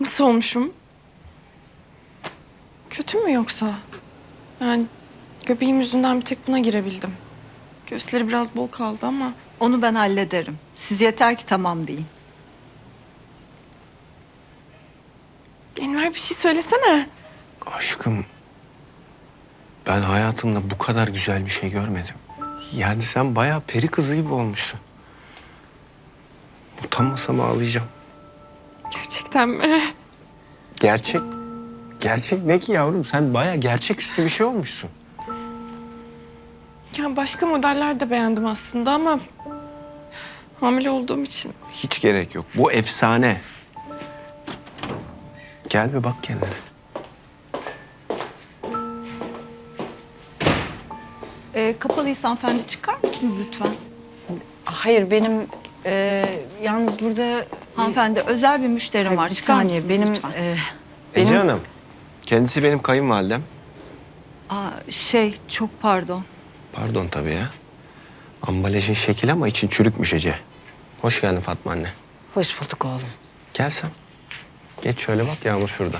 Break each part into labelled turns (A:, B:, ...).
A: Nasıl olmuşum? Kötü mü yoksa? Yani göbeğim yüzünden bir tek buna girebildim. Göğüsleri biraz bol kaldı ama...
B: Onu ben hallederim. Siz yeter ki tamam deyin.
A: Enver bir şey söylesene.
C: Aşkım, ben hayatımda bu kadar güzel bir şey görmedim. Yani sen bayağı peri kızı gibi olmuşsun. Utanmasam ağlayacağım.
A: Gerçekten mi?
C: Gerçek. Gerçek ne ki yavrum? Sen bayağı gerçeküstü bir şey olmuşsun.
A: Ya başka modeller de beğendim aslında ama... hamile olduğum için.
C: Hiç gerek yok. Bu efsane. Gel bir bak kendine.
B: Kapalıysa hanımefendi çıkar mısınız lütfen?
D: Hayır benim yalnız burada
B: Hanımefendi özel bir müşterim var.
D: bir
B: Çıkar
D: saniye
B: mısınız
D: benim
B: lütfen?
C: Ece Hanım. Kendisi benim kayınvalidem.
B: Çok pardon.
C: Pardon tabii ya. Ambalajın şekil ama için çürükmüş Ece. Hoş geldin Fatma anne.
D: hoş bulduk oğlum.
C: Gel sen. Geç şöyle bak, Yağmur şurada.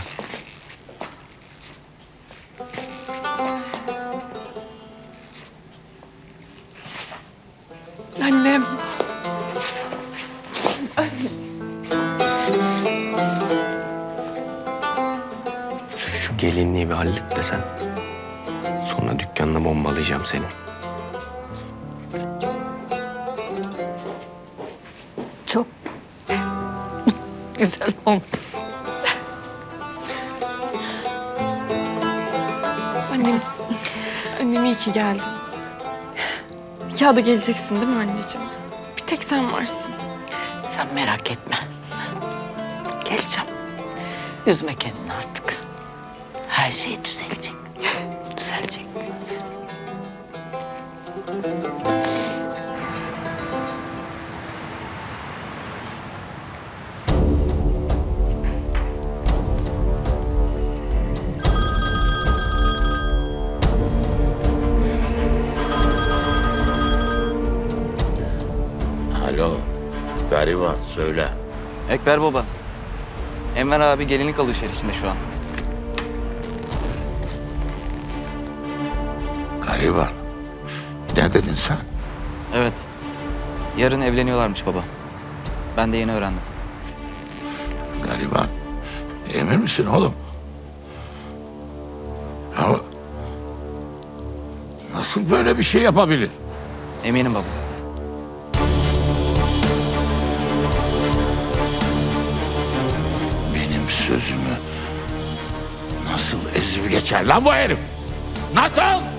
A: Annem.
C: Şu gelinliği bir hallet desen. Sonra dükkanına bombalayacağım seni.
D: Çok güzel olmuş.
A: Annem. Annem iyi ki geldin. Nikaha da geleceksin değil mi anneciğim? Bir tek sen varsın.
D: Sen merak etme. Geleceğim. Üzme kendini artık. Her şey düzelecek. Düzelecek.
E: Alo, gariban söyle.
F: Ekber baba. Enver abi gelinlik alışverişinde şu an.
E: Gariban. Ne dedin sen?
F: Evet. Yarın evleniyorlarmış baba. Ben de yeni öğrendim.
E: Gariban. Emin misin oğlum? Ya nasıl böyle bir şey yapabilir?
F: Eminim baba.
E: Benim sözümü nasıl ezip geçer lan bu herif? Nasıl?